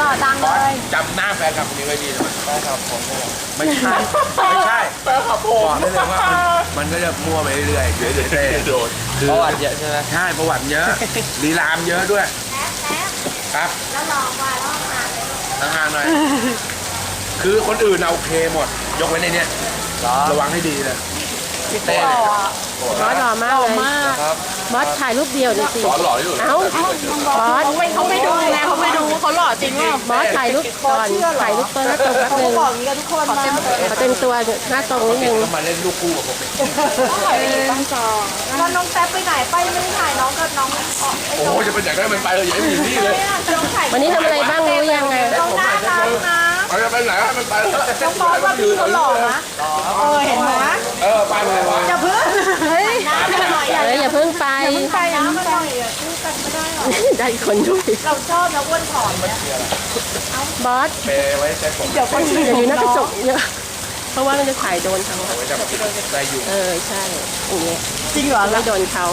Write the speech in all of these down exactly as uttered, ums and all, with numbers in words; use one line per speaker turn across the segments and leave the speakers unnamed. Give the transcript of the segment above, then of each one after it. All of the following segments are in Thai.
ดังเลย
จำหน้าแฟนคลับคนนี้ไว้ดีนะแฟนคลับผมไม่ใช่
ไม่ใช่แฟนคลับผม
บอกได้เลยว่ามันก็จะมั่วไปเรื่อยๆเดี๋ยวเต้โดน
ประวัติเยอะใช่ไหม
ใช่ประวัติเยอะลีลามเยอะด้วยครับ
แล้วลองว่าลองมาเลย
ห่างๆหน่อยคือคนอื่นเอาโอเคหมดยกเว้นในเนี้ยระวังให้ดีเลย
เต้
บอสหล่อมากเลยบอสถ่ายรูปเดียวดิสิ
สอนหล่อที่สุด
เอ้าบอส
เขาไม่เขาไม่ดูไงเขาไม่ดูเขาหล่อจริงว่า
บอสถ่ายรูปก่อนถ่ายรูปตัวหน้าตรงแป๊บนึง
บอกอย่างนี้กันทุกคนมา
ขอเต็มตัวหน้าตรงนิดนึง
ก็มาเล่นลูกคู่กับผมเอง
ต้องจองแล้วน้องแป๊บไปไหนไปไม่ได้ถ่ายน้องกับน้อง
โอ้จะเป็นอย่างไรมันไปเลยอย่าให้มีนี่เลย
วันนี้ทำอะไรบ้างรู้ยังไง
น้องน่ารักนะ
ไปไปไหนมันไป
น้องบอสว่าพี่เขาหล่อนะเออเห็นไหม
เออไปไปไป
อย่าเพิ่งเฮ้ย
เอออย่าเพิ่งไป
ไปนะมันหน่อยคู่กันไม่ได้หรอ
ได้คนด้วย
เราชอบนะอ้วนผอมเนี่ย
บอส
เปไว้ใช้ผม
เดี๋ยวคนอื่น
อย่าอยู่หน้ากระจกเยอะเพราะว่ามันจะถ่ายโดนเขา
ได้อยู่
เออใช่อย่างเงี้ย
จริงเหรอ
ไม่โดนเขา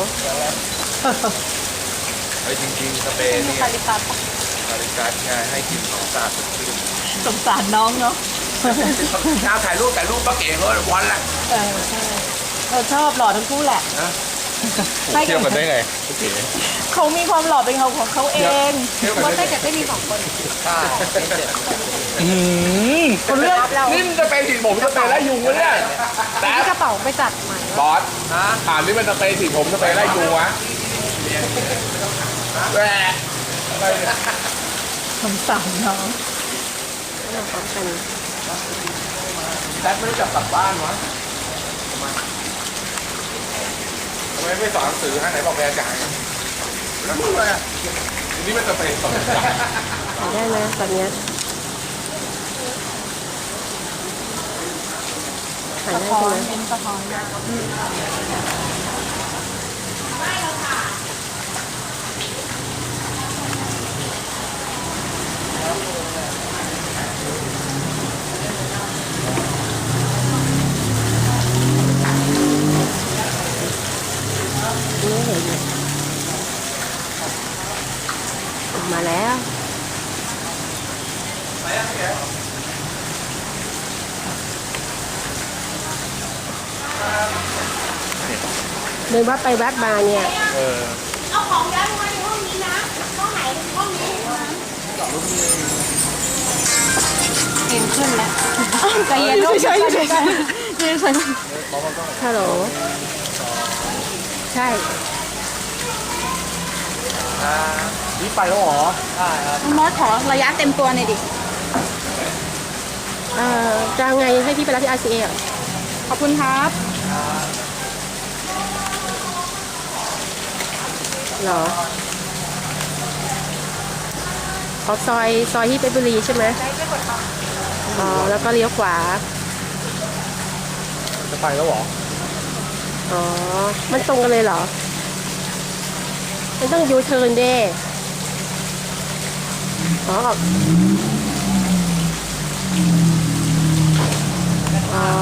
ไอ้จริงๆสเปนนี่คาริกัสคาริกัสไงให้กินของสะอาด
สงสารน้องเนาะ
น้าถ่ายรูปถ่ายรูปป้าเก๋เขาวันละ
เออใช่เราชอบหล่อทั้งคู่แหละ
เที่ยวกันได้ไง
เขามีความหล่อเป็นเขาของเขาเองว่าได้แต่ไม่มีสองคน
ใช่
อืม
คนเรื่องนี่มันจะเป็นสีผมจะเป็นไล่ยุงวะเนี่ย
แต่กระเป๋าไปจัดใหม่
บอสถามนี่มันจะเป็นสีผมจะเป็นไล่ยุงวะแหวะ
สงสารน้อง
แซดไม่ได้จับกลับบ้านวะทำไมไม่สอนหนังสือให้ไหนบอกแกจ่ายแล้วมึงเลยอ่ะทีนี้มันจะเป็นสอนจ่าย
ได้ไหมตอนนี้ถ่ายได้ใช่ไหม
เป็นสะท้อน
ไม่เห็นมาแล้วเดินวัดไปวัดมาเนี่ย
เอาของย้ายมาในห้องนี้นะห้องไหนห้องนี้เห็นขึ้นแล้วใจเย็นด้วยใช่ใช่ใช่ใช่
ฮัลโหลใช่
นี่ไปแล้วหรอ
ใช่ครับ
มอสขอระยะเต็มตัวหน่อยดิ
เอ่อจะไงให้พี่ไปรับที่ อาร์ ซี เอ
ขอบคุณครับ
เหรอออกซอยซอยที่เพชรบุรีใช่ไหมอ๋อแล้วก็เลี้ยวขวา
จะไปแล้วหรอ
อ๋อมันตรงกันเลยเหรอมันต้องยูเทิร์นเด้อ๋ออ๋อ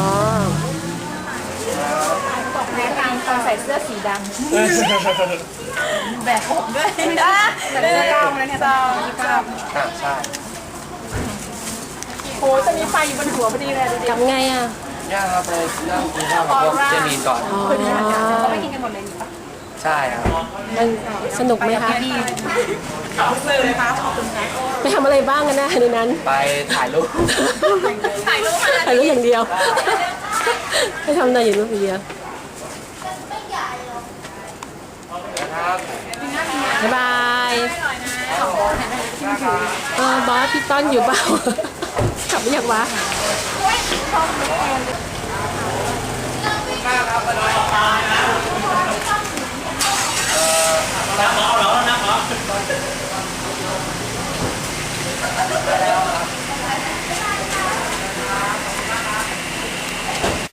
บอกแม่ตามตอนใส่เสื้อสีดำแบกผมด้วยนะเสื้อกล้ามเลยเนี่ยกล้าม
ใช่
โอ้จะมีไฟอยู่บนหัวพอดีเลยดูดิ
ทำไงอ่ะ
ย่างครับไปย่างกินข้าวกับพวกเจมีก่อน
อ๋อ
เขาไปกินกันหมดเลยปะ
ใช่ครับ
มันสนุกไหมคะ
ขอบคุณค่ะขอบคุณค่ะ
ไปทำอะไรบ้างกันนะในนั้น
ไปถ่ายรูป
ถ่ายรูป
ถ่ายรูปอย่างเดียวไปทำอะไรอย่างรูปอย่างเดียวบ๊ายบายเออบอสพี่ต้นอยู่เปล่ากลับไม่อยากวะ
น้ำหมอเหรอน้ำหมอ